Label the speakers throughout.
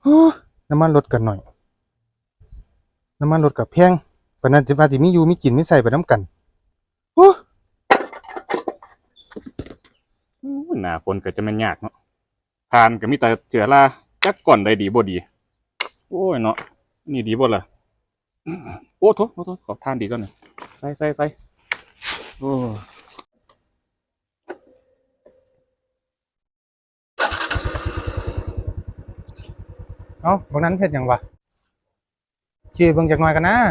Speaker 1: โอ้น้ำมันลดกันหน่อยน้ำมันลดกับแพงปานนั้นสิว่าสิมีอยู่มีกินมีใส่ไปน้ำกันโอ้
Speaker 2: หน้าฝนก็จะแม่นยากเนาะทานก็มีแต่เจือราจักก่อนได้ดีบ่ดีโอ้ยเนาะนี่ดีบ่ล่ะโอ้โถขอทานดีก่อนหน่อยใส่โอ้
Speaker 1: เอ้าบางนั้นเฮ็ดหยังวะชี้เบิ่งจักหน่อยกันนะ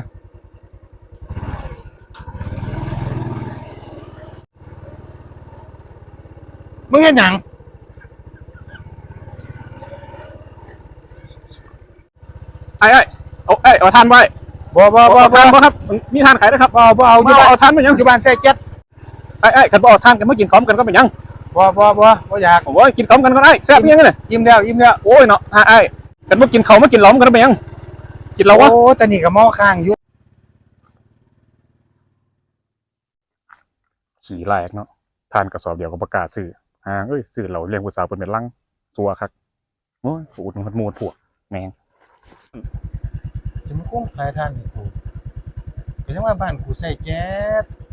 Speaker 1: มึงเฮ็ดหยัง
Speaker 2: ไอ้เอาทานไว้
Speaker 1: บ่
Speaker 2: เอาทานบ่ครับมีทานขายนะครับ
Speaker 1: บ่เอาอยู่บ้าน
Speaker 2: เอาทานไปยัง
Speaker 1: อยู่บ้านใส่แก๊ส
Speaker 2: ไอ้กันบ่เอาทานกันมากินพร้อมกันก็เป็นยัง
Speaker 1: บ่อยาก
Speaker 2: ผมว่ากินพร้อมกันก็ได้แซ่บยังไงเนี่ย
Speaker 1: ยิ้มแล้ว
Speaker 2: โอ้ยเนาะไอ้กันมากินเขามากินล้อมกันก็เป็นยังกินเราวะ
Speaker 1: โอ้แต่นี่ก็หม้อข้างอยู่
Speaker 2: ขี่แรกเนาะทานกระสอบเดียวก็ประกล้าศซื้อซื้อเราเลี้ยงผู้สาวเป็นลังตัวครับโอ้ยอุดหนุนมูดพวกแมง
Speaker 1: จะมาคุ้มขายทานให้กูเป็นจังว่าบ้านกูใส่แก๊ส